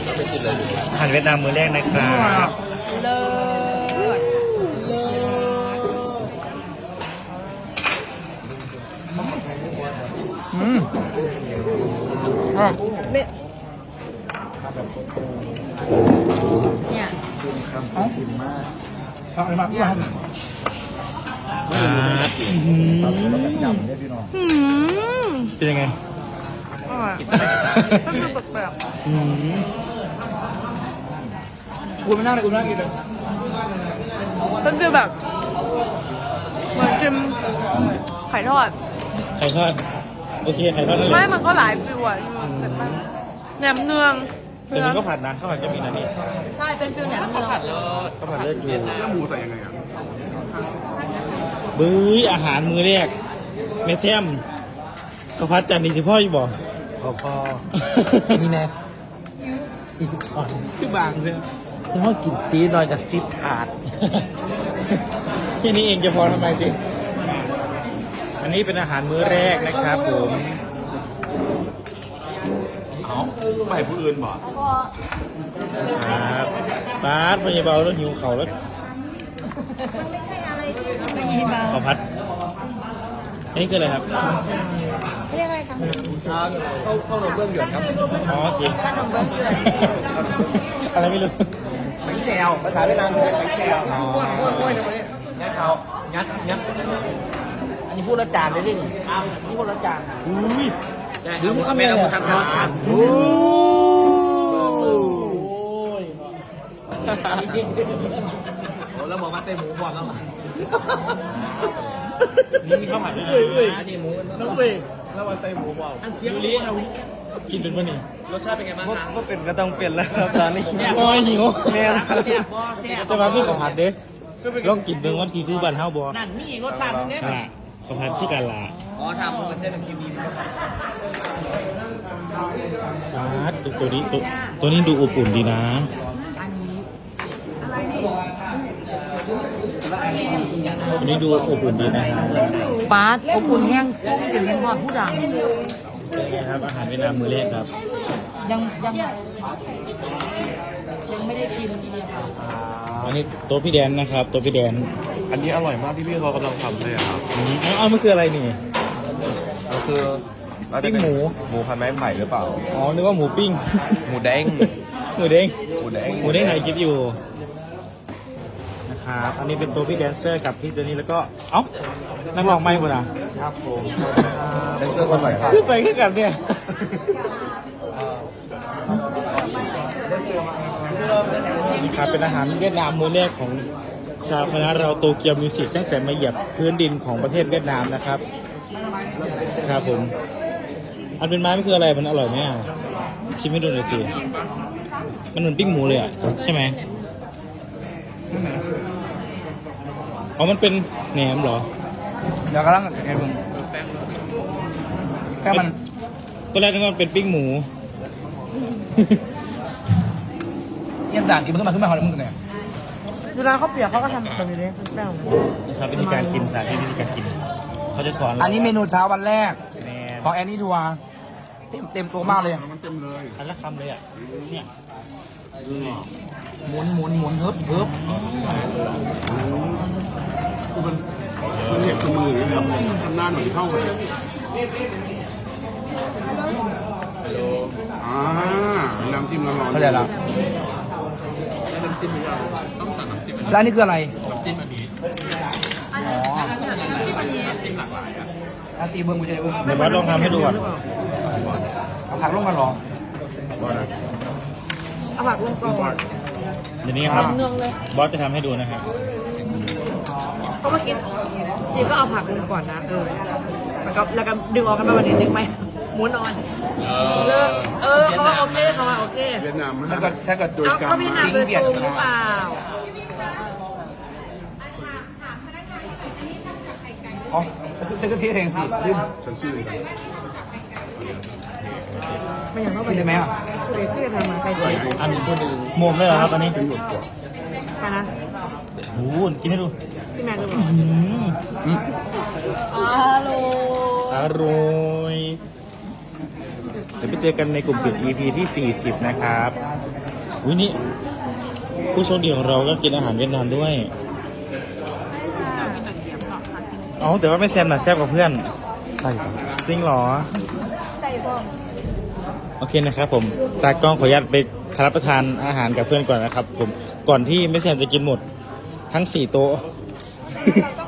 อาหารเวียดนามมื้อแรกนะครับเลิศเลิศเนี่ยเป็นยังไงอร่อยมันดูแปลกกูไม่นั่งเลยกูนั่งกินเลยๆมันคือแบบเหมือนกินไข่ทอดไข่ทอดโอเคไข่ทอดนั่นแหไม่ละมันก็หลายฟิวอ่ะแหนมเนืองแต่มันก็ผัดนะข้าวผัดก็มีนะนี่ใช่เป็นฟิวแหนมเนืองข้าวผัดเลือดอยู่แล้วหมูใส่ยังไงอ่ะบื้ออาหารมื้อแรกเมเทมข้าวผัดจานนี้สิพ่ออยู่บ่พอนี่แน่คือบางเลยถ้าว่ากินตีหน่อยกับซิปถาดแค่นี้เองจะพอทำไมจริงอันนี้เป็นอาหารมื้อแรกนะครับผมเอาไปผู้อื่นบ่ครับปาดพยาบาลแล้วหิวเข่าแล้วข้าวผัดนี่คืออะไรครับเรียกอะไรคะเข้าหนมเบื้องหยดครับอ๋อโอเคขนมเบื้องเกลืออะไรไม่รู้แบงแซวภาษาเวียดนามคือแบงแซวม้วนๆนะวันนี้งัดเขางัดอันนี้พูดละจานเลยดินี่พูดละจานอุ้ยหรือพูดคำเดียวคำซ้อนโอ้ยแล้วบอกมาใส่หมูก่อนแล้วนี่มีข้าวผัดด้วยนะที่หมูน้องเว้ยแล้วมาใส่หมูก่อนอันเสียงลิ้นกินเป็นปะนี่รสชาติเป็นไงบ้างคะก็เป็นก็ต้องเปลี่ยนแล้วครับตอนนี้โอ้ยหิวแม่แต่ว่าพี่ข้าวผัดเด้ลองกินเบิ่งว่าที่คือบ้านเฮาบ่นั่นมีอีกรสชาตินึงเนี่ยล่ะข้าวผัดคือกันล่ะอ๋อทำมันเส้นเป็นคิวบีนตัวนี้ดูอบอุ่นดีนะตัวนี้ดูอบอุ่นดีนะฮะปาร์ตอบอุ่นแห้งส้มกลิ่นยังหอมผู้ดังเป็นไงครับอาหารเวียดนามมื้อแรกครับยังไม่ได้กินเลยค่ะอันนี้โต๊ะพี่แดนนะครับโต๊ะพี่แดนอันนี้อร่อยมากที่พี่เขากำลังทำเลยอะครับเอามันคืออะไรนี่ก็คือน่าจะปิ้งเป็นหมูหมูพันไม้ไผ่หรือเปล่าอ๋อนึกว่าหมูปิ้งหมูแดงหมูเด้งหมูแดงหมูเด้งไหนคลิปอยู่นะครับอันนี้เป็นตัวพี่แดนเซอร์กับพี่เจนี่แล้วก็เอ้านักร้องไม่หมดอ่ะครับผมเป็นเสื้อคนใหม่ครับคือใส่ขึ้นกันเนี่ยนี่ครับเป็นอาหารเวียดนามมื้อแรกของชาวคณะเราโตเกียวมิวสิกตั้งแต่มาเหยียบพื้นดินของประเทศเวียดนามนะครับครับผมอันเป็นไม้ไม่คืออะไรมันอร่อยไหมอ่ะชิมให้ดูหน่อยสิมันเหมือนปิ้งหมูเลยอ่ะใช่ไหมอ๋อมันเป็นแหนมเหรอเดี๋ยวกำลังไอ้มึงแค่มันตอนแรกนึกว่ามันเป็นปิ้งหมูเยี่ยมด่านกินมันขึ้นมาเขาเลยมึงเนี่ยเวลาเขาเปียกเขาก็ทำแบบนี้เลยแป้งนะครับวิธีการกินสาธิตวิธีการกินเขาจะสอนอันนี้เมนูเช้าวันแรกแหนมของแอนนี่ทัวร์เต็มตัวมากเลยอันละคำเลยอ่ะเนี่ยหมุนเฮิบเก็บมือหรือแบบทำหน้าหน่อยเข้าเลยน้ำจิ้มร้อนๆเข้าใจแล้วแล้วนี่คืออะไรน้ำจิ้มอันนี้อ๋อแล้วตีเบิ้งกูจะเบิ้งเดี๋ยวบอสลองทำให้ดูก่อนเอาผักลงกันเหรอเอาผักลงก่อนเดี๋ยวนี้ครับเนืองเลยบอสจะทำให้ดูนะครับเพราะเมื่อกี้ชีก็เอาผักลงก่อนนะแล้วก็ดึงออกกันมาวันนี้ดึงไหมหมุนออนเขาว่าโอเคเขาว่าโอเคเวียดนามฉันก็โดยเอาการเขาพี่นาโดยตรงหรือเปล่าอ๋อฉันก็เทเองสิลืมฉันชื่ออะไรไม่อย่างนั้นไปกินได้ไหมอ่ะคือเด็กที่จะทำมาใครกินอันนี้โมมเลยเหรอครับอันนี้เป็นหมดกว่าไปนะโอ้โหกินให้ดูพี่แมนดูอืมฮัลโหลอร่อยเดี๋ยวไปเจอกันในกลุ่มปิด EP ที่ 40 นะครับวินี่ผู้โชคดีของเราก็กินอาหารเวียดนามด้วยอ๋อแต่ว่าไม่แซมน่ะแซ่บกว่าเพื่อนใช่จริงเหรอใส่บ้องโอเคนะครับผมตากล้องขออนุญาตไปรับประทานอาหารกับเพื่อนก่อนนะครับผมก่อนที่ไม่แซมจะกินหมดทั้ง4 โต๊ะแล้วก็